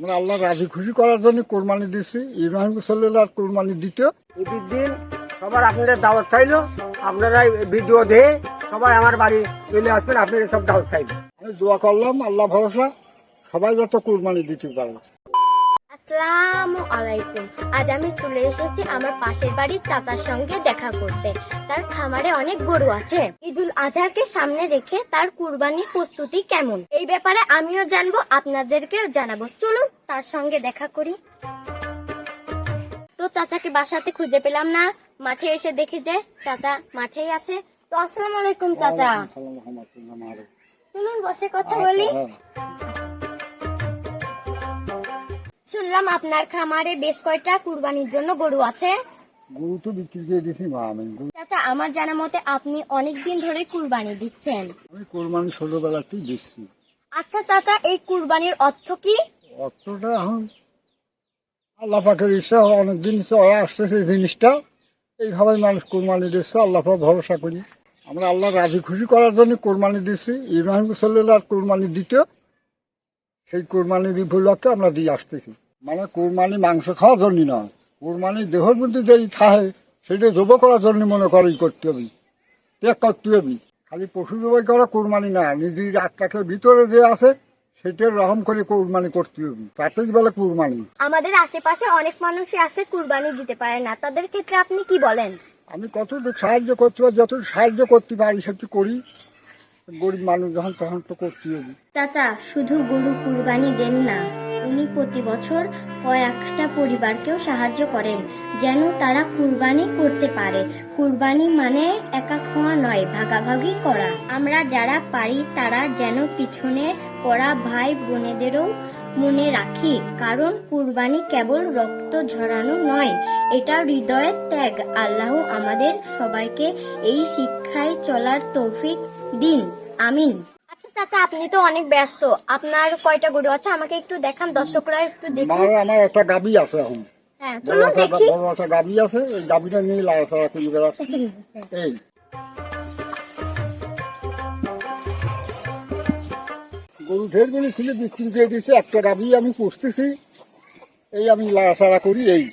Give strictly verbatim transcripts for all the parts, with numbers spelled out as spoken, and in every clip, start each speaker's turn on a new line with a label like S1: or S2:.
S1: আমরা আল্লাহ রাজি খুশি করার জন্য কোরবানি দিচ্ছি। ইব্রাহিম সাল্লাল্লাহু কোরবানি দিতে
S2: ঈদের দিন সবার আপনাদের দাওয়াত খাইলো, আপনারা ভিডিও দিয়ে সবাই আমার বাড়ি চলে আসবেন, আপনারা সব দাওয়াত খাইবেন।
S1: আমি দোয়া করলাম, আল্লাহ ভরসা সবাই যত কোরবানি দিতে পারে।
S3: আসসালামু আলাইকুম। আজ আমি চলে এসেছি আমার পাশের বাড়ির চাচার সঙ্গে দেখা করতে। তার খামারে অনেক গরু আছে। ঈদুল আজহাকে সামনে রেখে তার কুরবানির প্রস্তুতি কেমন, এই ব্যাপারে আমিও জানবো, আপনাদেরকেও জানাবো। চলুন তার সঙ্গে দেখা করি। তো চাচাকে বাসাতে খুঁজে পেলাম না, মাঠে এসে দেখি যে চাচা মাঠেই আছে। তো আসসালামু আলাইকুম চাচা, চলুন বসে কথা বলি। শুনলাম আপনার খামারে বেশ কয়টা কুরবানির জন্য গরু আছে।
S1: গরু তো বিক্রি করে দিয়েছি মা। আমি
S3: চাচা আমার জানা মতে আপনি অনেক দিন ধরে কুরবানি দিচ্ছেন।
S1: আমি কোরবানি ছোটবেলাতেই দিচ্ছি।
S3: আচ্ছা চাচা, এই কুরবানির অর্থ কি?
S1: অর্থটা এখন আল্লাহ পাকের ইচ্ছা, অনেকদিন চলে আসতেছে এই জিনিসটা, এইভাবে মানুষ কোরবানি দিচ্ছে। আল্লাহ পাক ভরসা করি। আমরা আল্লাহ রাজি খুশি করার জন্য কোরবানি দিচ্ছি। ইব্রাহিম সাল্লাল্লাহু কোরবানি দিতে, সেই কোরবানির উপলক্ষে আমরা দিয়ে আসতেছি। মানে কোরবানি মাংস খাওয়ার জন্য নয়, কোরবানি দেহের মধ্যে যেই থাকে সেটা জব করার জন্য মনে করেই করতে হবে, ত্যাগ করতে হবে। খালি পশু জবাই করা কোরবানি না, নিজের আত্মাকে ভিতরে যে আছে সেটার রহম করে কোরবানি করতে হবে, তাতেই বলে কোরবানি।
S3: আমাদের আশেপাশে অনেক মানুষই আছে কুরবানি দিতে পারে না, তাদের ক্ষেত্রে আপনি কি বলেন?
S1: আমি কতটুকু সাহায্য করতে পারি, যতটুকু সাহায্য করতে পারি সেটু করি। গরিব মানুষ যখন তখন তো করতে হবে।
S3: চাচা শুধু গরু কুরবানি দেন না, উনি প্রতি বছর কয়েকটা পরিবারকেও সাহায্য করেন যেন তারা কুরবানি করতে পারে। কুরবানি মানে একা খাওয়া নয়, ভাগাভাগি করা। আমরা যারা পারি তারা যেন পিছনে পড়া ভাই বোনেদেরও মনে রাখি, কারণ কুরবানি কেবল রক্ত ঝরানো নয়, এটা হৃদয়ের ত্যাগ। আল্লাহ আমাদের সবাইকে এই শিক্ষায় চলার তৌফিক দিন, আমিন। আচ্ছা চাচা, আপনি তো অনেক ব্যস্ত, আপনার কয়টা গরু আছে আমাকে একটু দেখান, দর্শকরা একটু দেখুন।
S1: আমার আমার একটা গাবি আছে এখন,
S3: হ্যাঁ
S1: বড়
S3: চলুন
S1: একটা
S3: দেখি।
S1: বড় একটা গাবি আছে, এই গাবিটা নিয়ে লাড়াচাড়া করে বেড়াচ্ছে। এই গরু ঢের গুলি ছিল, বিক্রি করে দিয়েছে। একটা গাবি আমি পুষতেছি, এই আমি লাড়াচাড়া করি। এই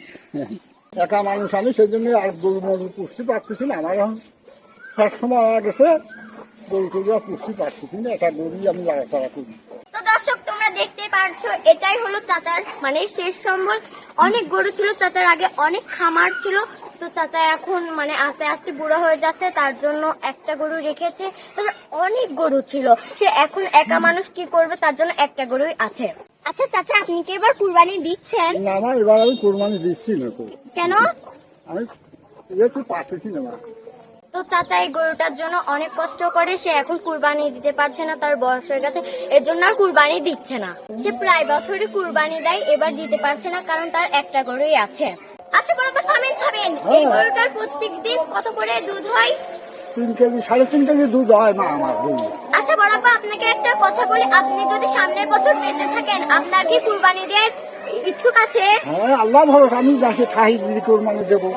S1: একা মানুষ আমি, সেই জন্য আর গরু মরু পুষতে পারতেছি না। আমার এখন সব সময় আগে গেছে, গরু টরু আর পুষতে পারতেছি না, একটা গরুই আমি লাড়াচাড়া করি।
S3: তো দর্শক তোমরা দেখতে পারছো, এটাই হলো চাচার মানে শেষ সম্বল। অনেক গরু ছিল চাচার, আগে অনেক খামার ছিল, তো চাচা এখন মানে আস্তে আস্তে বুড়ো হয়ে যাচ্ছে, তার জন্য একটা গরু রেখেছে। তার অনেক গরু ছিল, সে এখন একা মানুষ কি করবে, তার জন্য একটা গরুই আছে। আচ্ছা চাচা, আপনি কি এবার কুরবানি দিচ্ছেন?
S1: না, আমার এবার আমি কোরবানি দিচ্ছি না তো।
S3: কেন?
S1: আমি একটু পারতেছি না।
S3: তো চাচা এই গরুটার জন্য অনেক কষ্ট করে, সে এখন কুরবানি দিতে পারছে না, তার বয়স হয়ে গেছে, এর জন্য আর কুরবানি দিচ্ছে না। সে প্রায় বছরই কুরবানি দেয়, এবার দিতে পারছে না কারণ তার একটা গরুই আছে। আচ্ছা বড় তো খাবেন খাবেন, এই গরুটার প্রত্যেক দিন কত করে দুধ হয়?
S1: তিন কেজি সাড়ে তিন কেজি দুধ হয় মা আমার গরু।
S3: আচ্ছা বড়াপা, আপনাকে একটা কথা বলি, আপনি যদি সামনের বছর বেঁচে থাকেন, আপনার কি কুরবানি দেওয়ার ইচ্ছুক আছে?
S1: হ্যাঁ, আল্লাহ ভরসা, আমি যাকে খাই দিদি কোরবানি দেবো।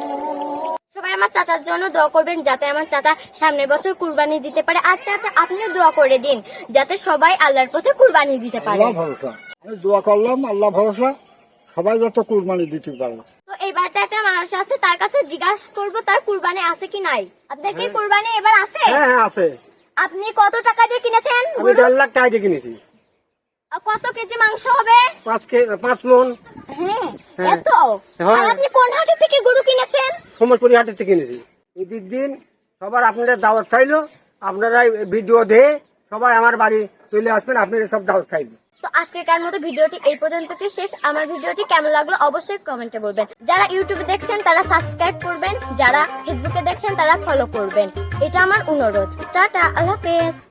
S3: সবাই আমার চাচার জন্য দোয়া করবেন যাতে আমার চাচা সামনের বছর কুরবানি দিতে পারে। আর চাচা আপনিও দোয়া করে দিন যাতে সবাই আল্লাহর পথে কুরবানি দিতে পারে।
S1: আল্লাহ ভরসা, আমি দোয়া করলাম, আল্লাহ ভরসা সবাই যত কোরবানি দিতে পারে।
S3: তো এইবারটা একটা মানুষ আছে, তার কাছে জিজ্ঞাসা করবো তার কুরবানি আছে কি নাই। আপনার কি কুরবানি এবার আছে?
S2: হ্যাঁ হ্যাঁ আছে।
S3: আপনি কত টাকা দিয়ে কিনেছেন?
S2: আমি দেড় লাখ টাকা দিয়ে কিনেছি।
S3: আর কত কেজি মাংস হবে?
S2: পাঁচ কে পাঁচ মন।
S3: হ্যাঁ
S2: হ্যাঁ।
S3: এত?
S2: হ্যাঁ।
S3: আর আপনি কোন হাটে থেকে গরু কিনেছেন?
S2: সমরপুরি হাটের থেকে কিনেছি। ঈদের দিন সবার আপনাদের দাওয়াত খাইলো, আপনারা ভিডিও দিয়ে সবাই আমার বাড়ি চলে আসবেন, আপনারা সব দাওয়াত খাইবেন।
S3: তো আজকেকার মতো ভিডিওটি এই পর্যন্ত কি শেষ। আমার ভিডিওটি কেমন লাগলো অবশ্যই কমেন্টে বলবেন। যারা ইউটিউবে দেখছেন তারা সাবস্ক্রাইব করবেন, যারা ফেসবুকে দেখছেন তারা ফলো করবেন, এটা আমার অনুরোধ। টাটা, আল্লাহ হাফেজ।